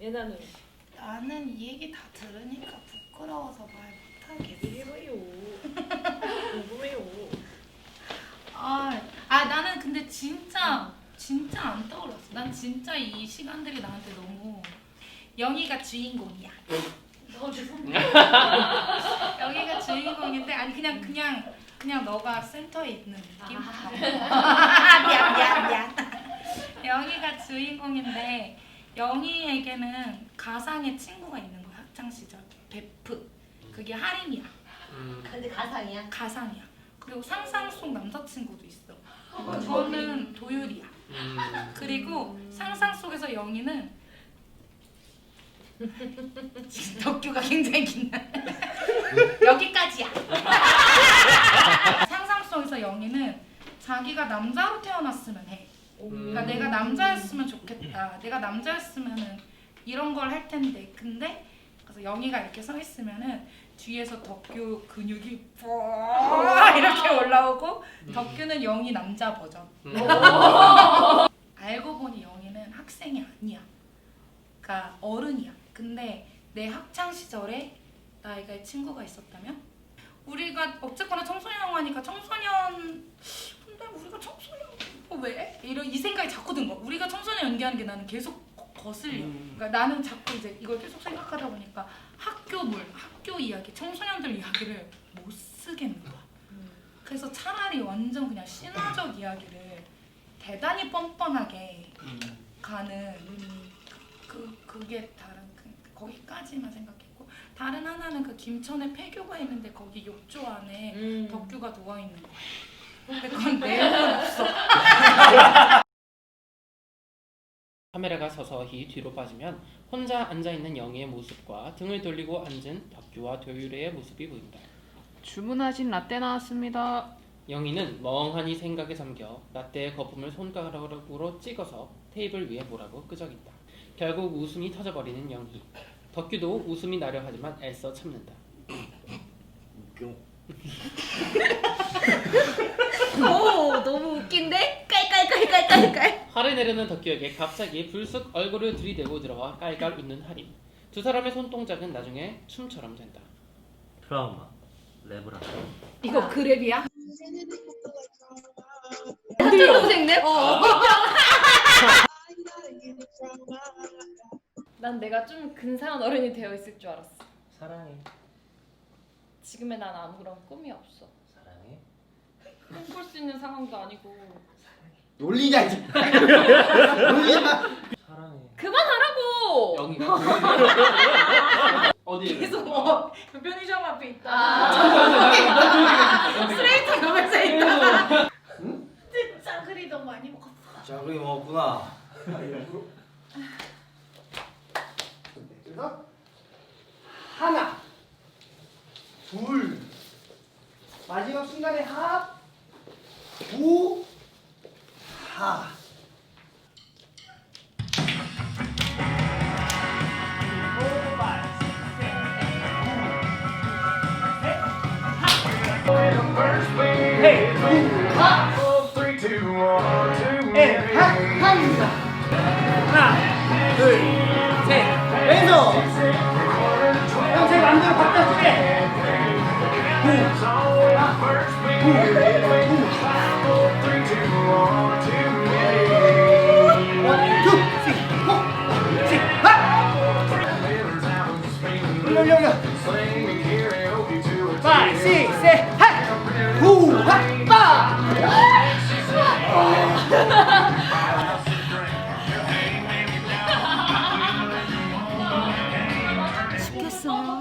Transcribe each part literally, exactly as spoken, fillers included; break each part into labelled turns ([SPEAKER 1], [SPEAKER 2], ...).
[SPEAKER 1] 예나는?
[SPEAKER 2] 나는 이 얘기 다 들으니까 부끄러워서 말 못하겠어.
[SPEAKER 1] 해봐요. 궁금해요.
[SPEAKER 2] 아, 아 나는 근데 진짜 진짜 안 떠올랐어. 난 진짜 이 시간들이 나한테 너무 영희가 주인공이야. 영희가 주인공인데 아니 그냥 그냥 그냥 너가 센터에 있는 느낌?
[SPEAKER 1] 아.
[SPEAKER 2] 미안 미안 미안. 영희가 주인공인데 영희에게는 가상의 친구가 있는 거야. 학창 시절 베프. 그게 하림이야.
[SPEAKER 3] 음.
[SPEAKER 1] 근데 가상이야?
[SPEAKER 2] 가상이야. 그리고 상상 속 남자친구도 있어. 그거는 도율이야.
[SPEAKER 3] 음.
[SPEAKER 2] 그리고 상상 속에서 영희는 지금 덕규가 굉장히 긴데 여기까지야. 상상 속에서 영희는 자기가 남자로 태어났으면 해. 그러니까
[SPEAKER 3] 음.
[SPEAKER 2] 내가 남자였으면 좋겠다. 내가 남자였으면은 이런 걸 할 텐데. 근데 그래서 영희가 이렇게 서 있으면은 뒤에서 덕규 근육이 뽀 이렇게 올라오고
[SPEAKER 3] 음.
[SPEAKER 2] 덕규는 영희 남자 버전.
[SPEAKER 3] 음.
[SPEAKER 2] 알고 보니 영희는 학생이 아니야. 그러니까 어른이야. 근데 내 학창 시절에 나에게 친구가 있었다면 우리가 어쨌거나 청소년 영화니까 청소년 근데 우리가 청소년 어, 왜? 이런 이 생각이 자꾸 든 거야. 우리가 청소년 연기하는 게 나는 계속 거- 거슬려.
[SPEAKER 3] 음.
[SPEAKER 2] 그러니까 나는 자꾸 이제 이걸 계속 생각하다 보니까 학교물, 학교 이야기, 청소년들 이야기를 못 쓰겠는 거야. 그래서 차라리 완전 그냥 신화적 이야기를 대단히 뻔뻔하게
[SPEAKER 3] 음.
[SPEAKER 2] 가는 그 그게 다른 그, 거기까지만 생각했고 다른 하나는 그 김천에 폐교가 있는데 거기 욕조 안에
[SPEAKER 1] 음.
[SPEAKER 2] 덕규가 누워 있는 거야. 근데 그건 내용은 없어.
[SPEAKER 3] 카메라가 서서히 뒤로 빠지면 혼자 앉아있는 영희의 모습과 등을 돌리고 앉은 덕규와 도유리의 모습이 보인다.
[SPEAKER 4] 주문하신 라떼 나왔습니다.
[SPEAKER 3] 영희는 멍하니 생각에 잠겨 라떼의 거품을 손가락으로 찍어서 테이블 위에 뭐라고 끄적인다. 결국 웃음이 터져버리는 영희. 덕규도 웃음이 나려 하지만 애써 참는다.
[SPEAKER 1] 오 너무 웃긴데? 깔깔깔깔깔깔.
[SPEAKER 3] 화를 내려는 덕규에게 갑자기 불쑥 얼굴을 들이대고 들어와 깔깔 웃는 하림. 두 사람의 손동작은 나중에 춤처럼 된다.
[SPEAKER 5] 트라우마 랩을 하다.
[SPEAKER 1] 이거 그랩이야? 초등생네? 어. 난 내가 좀 근사한 어른이 되어 있을 줄 알았어.
[SPEAKER 5] 사랑해.
[SPEAKER 1] 지금의 난 아무런 꿈이 없어.
[SPEAKER 5] 사랑해.
[SPEAKER 1] 꿈꿀 수 있는 상황도 아니고.
[SPEAKER 6] 놀리냐 이제. 놀리냐.
[SPEAKER 5] 사랑해.
[SPEAKER 1] 그만하라고!
[SPEAKER 3] 영희가 어디?
[SPEAKER 2] 계속 뭐 편의점 앞에 있다.
[SPEAKER 1] 아.
[SPEAKER 2] 스트레이트 가면서 있다. 진짜 그리 너무 많이 먹었어.
[SPEAKER 6] 자 그리 먹었구나. 하나, 둘, 마지막 순간에 합, 구, 하. 하나, 둘, 셋, 왼손. 형, 제 맘대로 바꿔줄게. 파이브, 식스, 셋, 핫! 후, 핫! 빠!
[SPEAKER 2] 죽겠어.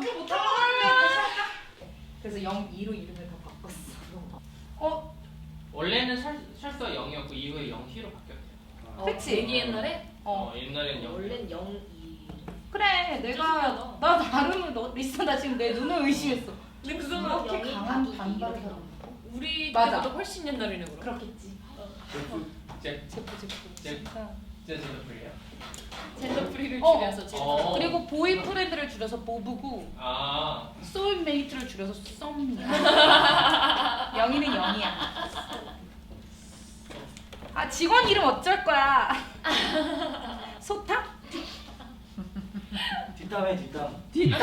[SPEAKER 2] 그래서 영이로 이름을 다 바꿨어. 어?
[SPEAKER 3] 원래는 설, 설서 영이었고 이후에 영희로 바뀌었대요.
[SPEAKER 1] 어,
[SPEAKER 2] 그치?
[SPEAKER 1] 되게 옛날에?
[SPEAKER 3] 어, 옛날엔 영.
[SPEAKER 1] 원래는 영이.
[SPEAKER 2] 그래 내가 나 나름을 너 리스트 나 지금 내 눈을 의심했어.
[SPEAKER 1] 근데
[SPEAKER 2] 그렇게
[SPEAKER 1] 영이
[SPEAKER 2] 강한
[SPEAKER 1] 바뀌기
[SPEAKER 2] 반발을
[SPEAKER 1] 이런
[SPEAKER 2] 하는
[SPEAKER 1] 우리
[SPEAKER 2] 맞아.
[SPEAKER 1] 때보다 훨씬 옛날이네 그럼.
[SPEAKER 2] 그렇겠지.
[SPEAKER 3] 제
[SPEAKER 2] 제프 제프.
[SPEAKER 3] 제-
[SPEAKER 2] 진짜.
[SPEAKER 3] 제주도 프리야.
[SPEAKER 1] 젠더 프리를
[SPEAKER 2] 어.
[SPEAKER 1] 줄여서 젠더.
[SPEAKER 3] 어.
[SPEAKER 2] 그리고 보이 프렌드를 줄여서 보브고
[SPEAKER 3] 아.
[SPEAKER 2] 소울메이트를 줄여서 썸이야. 영희는 영이야. 아 직원 이름 어쩔 거야? 소타?
[SPEAKER 6] 뒷담에 뒷담.
[SPEAKER 1] 이름이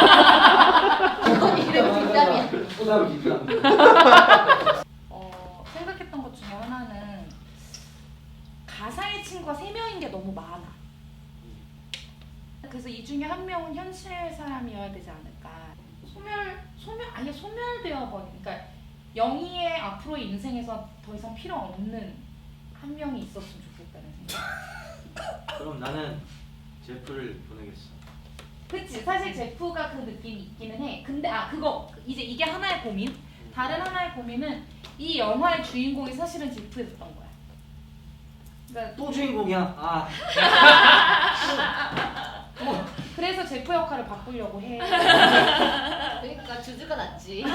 [SPEAKER 1] 뒷담이야.
[SPEAKER 6] 뒷담 뒷담.
[SPEAKER 2] 어, 생각했던 것 중에 하나는 가상의 친구가 세 명인 게 너무 많아. 그래서 이 중에 한 명은 현실 사람이어야 되지 않을까. 소멸, 소멸, 아예 소멸되어 버린. 그러니까 영희의 앞으로의 인생에서 더 이상 필요 없는 한 명이 있었으면 좋겠다는 생각.
[SPEAKER 5] 그럼 나는 제프를 보내겠어.
[SPEAKER 2] 그치, 사실 제프가 그 느낌이 있기는 해. 근데 아 그거 이제 이게 하나의 고민. 다른 하나의 고민은 이 영화의 주인공이 사실은 제프였던 거야. 그러니까
[SPEAKER 6] 또 주인공이야. 아.
[SPEAKER 2] 그래서 제프 역할을 바꾸려고 해.
[SPEAKER 1] 그러니까 주주가 낫지.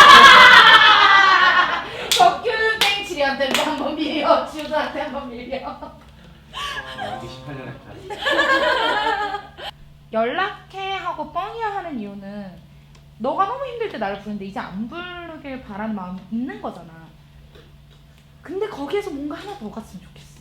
[SPEAKER 2] 덕규땡 지리한테 한번 밀려, 지우한테 한번 밀려.
[SPEAKER 5] 어, 이십팔 년 했다.
[SPEAKER 2] 연락해 하고 뻥이야 하는 이유는 너가 너무 힘들 때 나를 부르는데 이제 안 부르길 바라는 마음이 있는 거잖아. 근데 거기에서 뭔가 하나 더 갔으면 좋겠어.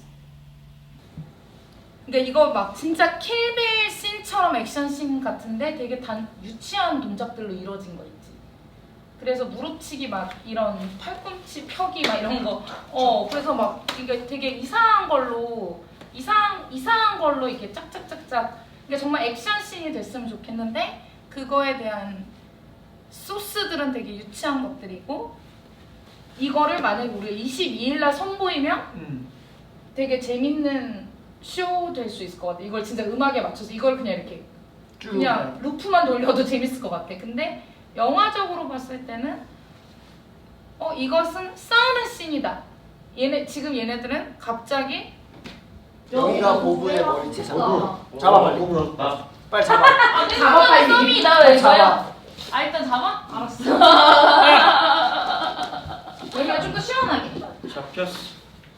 [SPEAKER 2] 그러니까 이거 막 진짜 킬빌 씬처럼 액션 씬 같은데 되게 단 유치한 동작들로 이루어진 거 있지. 그래서 무릎치기 막 이런 팔꿈치 펴기 막 이런 거. 어 그래서 막 이게 되게 이상한 걸로 이상 이상한 걸로 이렇게 짝짝짝짝. 그러니까 정말 액션 씬이 됐으면 좋겠는데 그거에 대한 소스들은 되게 유치한 것들이고 이거를 만약에 우리가 이십이 일 날 선보이면
[SPEAKER 6] 음.
[SPEAKER 2] 되게 재밌는 쇼 될 수 있을 것 같아. 이걸 진짜 음악에 맞춰서 이걸 그냥 이렇게
[SPEAKER 6] 쭉.
[SPEAKER 2] 그냥 루프만 돌려도 재밌을 것 같아. 근데 영화적으로 봤을 때는 어 이것은 싸우는 씬이다. 얘네 지금 얘네들은 갑자기
[SPEAKER 6] 영희가 보부의 머리채 잡아.
[SPEAKER 1] 어.
[SPEAKER 6] 잡아 빨리.
[SPEAKER 5] 나
[SPEAKER 6] 빨리 잡아.
[SPEAKER 2] 잡아 빨리.
[SPEAKER 1] 썸이 나왜
[SPEAKER 6] 잡아.
[SPEAKER 1] 저야? 아 일단 잡아? 알았어.
[SPEAKER 2] 여기가 좀 더 시원하게.
[SPEAKER 5] 잡혔어.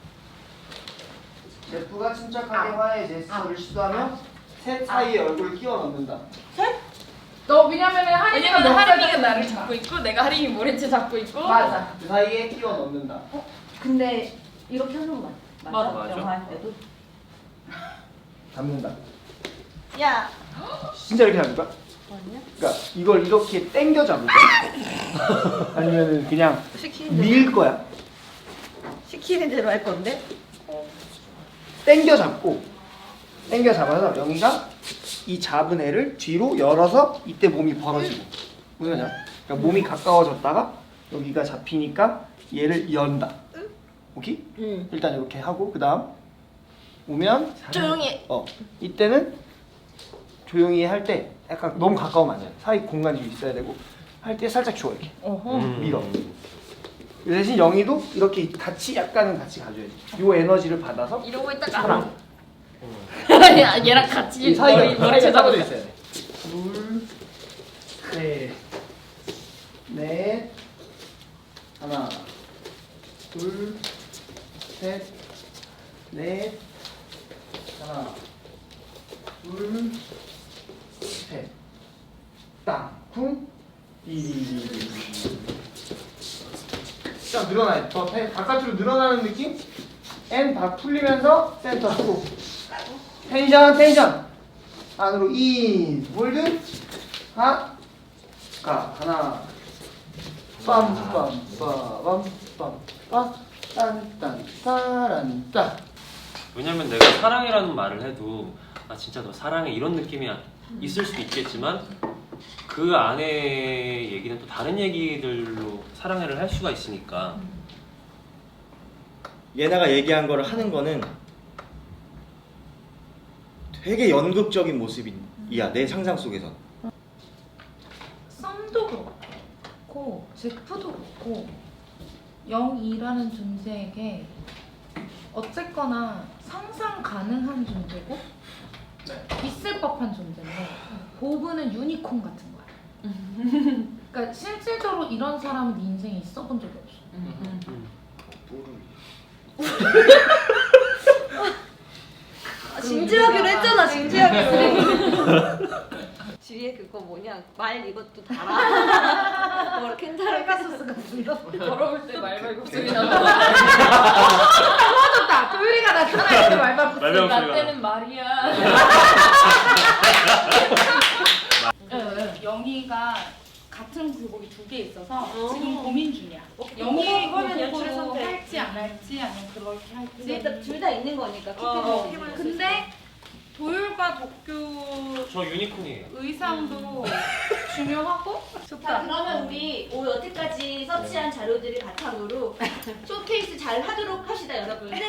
[SPEAKER 6] 제프가 침착하게 화해 제스처를 시도하며 셋 사이에 얼굴을 끼워 넣는다.
[SPEAKER 2] 너 왜냐면은 하림이가
[SPEAKER 1] 왜냐면 하림이가
[SPEAKER 2] 넉살까지
[SPEAKER 1] 나를 잡고 있고 내가 하림이 모래채 잡고 있고.
[SPEAKER 2] 맞아.
[SPEAKER 6] 그 사이에 끼워 넣는다.
[SPEAKER 7] 근데 이렇게 하는 거 맞, 맞아?
[SPEAKER 5] 맞아.
[SPEAKER 7] 영화 할 때도?
[SPEAKER 6] 잡는다.
[SPEAKER 1] 야.
[SPEAKER 6] 진짜 이렇게 잡을까?
[SPEAKER 7] 아니야?
[SPEAKER 6] 그러니까 이걸 이렇게 당겨 잡을까? 아니면은 그냥
[SPEAKER 7] 시키는 대로,
[SPEAKER 6] 밀 거야?
[SPEAKER 7] 시키는 대로 할 건데?
[SPEAKER 6] 당겨 잡고 당겨 잡아서 영희가 이 잡은 애를 뒤로 열어서 이때 몸이 벌어지고 무슨 말이야? 그러니까 몸이 가까워졌다가 여기가 잡히니까 얘를 연다. 오케이?
[SPEAKER 7] 응.
[SPEAKER 6] 일단 이렇게 하고 그 다음 오면
[SPEAKER 1] 조용히.
[SPEAKER 6] 어 이때는 조용히 할 때 약간 너무 가까우면 안 돼. 사이 공간이 좀 있어야 되고 할 때 살짝 줘 이렇게
[SPEAKER 7] 어허.
[SPEAKER 6] 밀어. 그 대신 영희도 이렇게 같이 약간은 같이 가줘야지. 요 에너지를 받아서
[SPEAKER 1] 이러고 있다가
[SPEAKER 6] 사람.
[SPEAKER 1] 야, 얘랑 같이
[SPEAKER 6] 이 사이가
[SPEAKER 1] 머리 모래채
[SPEAKER 6] 사이가
[SPEAKER 1] 잡아줘.
[SPEAKER 6] 떨어져 있어야 돼. 둘, 셋, 넷, 하나, 둘, 셋, 넷, 하나, 둘, 셋, 땅쿵, 이. 쫙 늘어나요. 더 배- 바깥으로 늘어나는 느낌? N 다 풀리면서 센터 후. 텐션 텐션 안으로 인 몰드 하 가 하나 빰빰빰빰빰빰 딴딴 따란따.
[SPEAKER 5] 왜냐면 내가 사랑이라는 말을 해도 아 진짜 너 사랑해 이런 느낌이 있을 수도 있겠지만 그 안에 얘기는 또 다른 얘기들로 사랑해를 할 수가 있으니까.
[SPEAKER 8] 예나가 얘기한 거를 하는 거는 되게 연극적인 모습이야 내 상상 속에선.
[SPEAKER 2] 썸도 그렇고 제프도 그렇고 영이라는 존재에게 어쨌거나 상상 가능한 존재고 있을 법한 존재인데 보브는 유니콘 같은 거야. 그러니까 실질적으로 이런 사람은 네 인생에 있어 본 적이 없어.
[SPEAKER 7] 아, 진지하기로 했잖아, 진지하기로. 뒤에 그거 뭐냐, 말 이것도 달아. 뭐 캔자를 가소스 같은 거.
[SPEAKER 1] 더러울 때 말말 목소리 나고.
[SPEAKER 2] 좋다. 도율이가 나타날 때 말만 붙이.
[SPEAKER 5] 말만
[SPEAKER 1] 나 때는 말이야.
[SPEAKER 2] 이중 굴곡이 두 개 있어서
[SPEAKER 7] 어.
[SPEAKER 2] 지금 고민 중이야.
[SPEAKER 7] 오케이,
[SPEAKER 2] 영희
[SPEAKER 7] 그거- 그거는 연출의
[SPEAKER 2] 굴곡으로
[SPEAKER 7] 선택.
[SPEAKER 2] 할지 안 할지 아니면 그렇게 할지.
[SPEAKER 7] 일단 둘 다 있는 거니까
[SPEAKER 2] 어,
[SPEAKER 7] 킵해서 어,
[SPEAKER 2] 근데 도율과 덕규
[SPEAKER 5] 저 유니콘이에요.
[SPEAKER 2] 의상도 중요하고
[SPEAKER 9] 자,
[SPEAKER 2] 좋다.
[SPEAKER 9] 그러면 우리 오늘 여태까지 서치한 자료들을 바탕으로 쇼케이스 잘 하도록 합시다, 여러분. 네.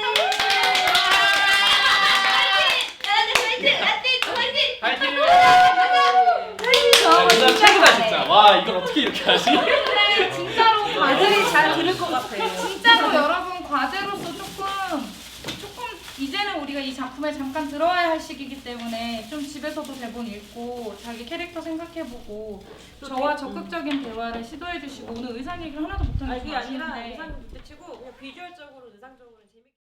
[SPEAKER 9] 화이팅! 화이팅! 화이팅!
[SPEAKER 5] 야, 진짜 최고다 진짜. 와 이걸 어떻게 이렇게 하지?
[SPEAKER 2] 진짜로
[SPEAKER 7] 아들이
[SPEAKER 2] 과제
[SPEAKER 7] 잘 들을 것 같아.
[SPEAKER 2] 진짜로 여러분 과제로서 조금 조금 이제는 우리가 이 작품에 잠깐 들어와야 할 시기이기 때문에 좀 집에서도 대본 읽고 자기 캐릭터 생각해보고 저와 적극적인 대화를 시도해주시고 오늘 의상 얘기를 하나도 못하는 게
[SPEAKER 7] 아니 그게 아니라
[SPEAKER 2] 아쉬운데
[SPEAKER 7] 의상 부딪히고 그냥 비주얼적으로 의상적으로 재밌게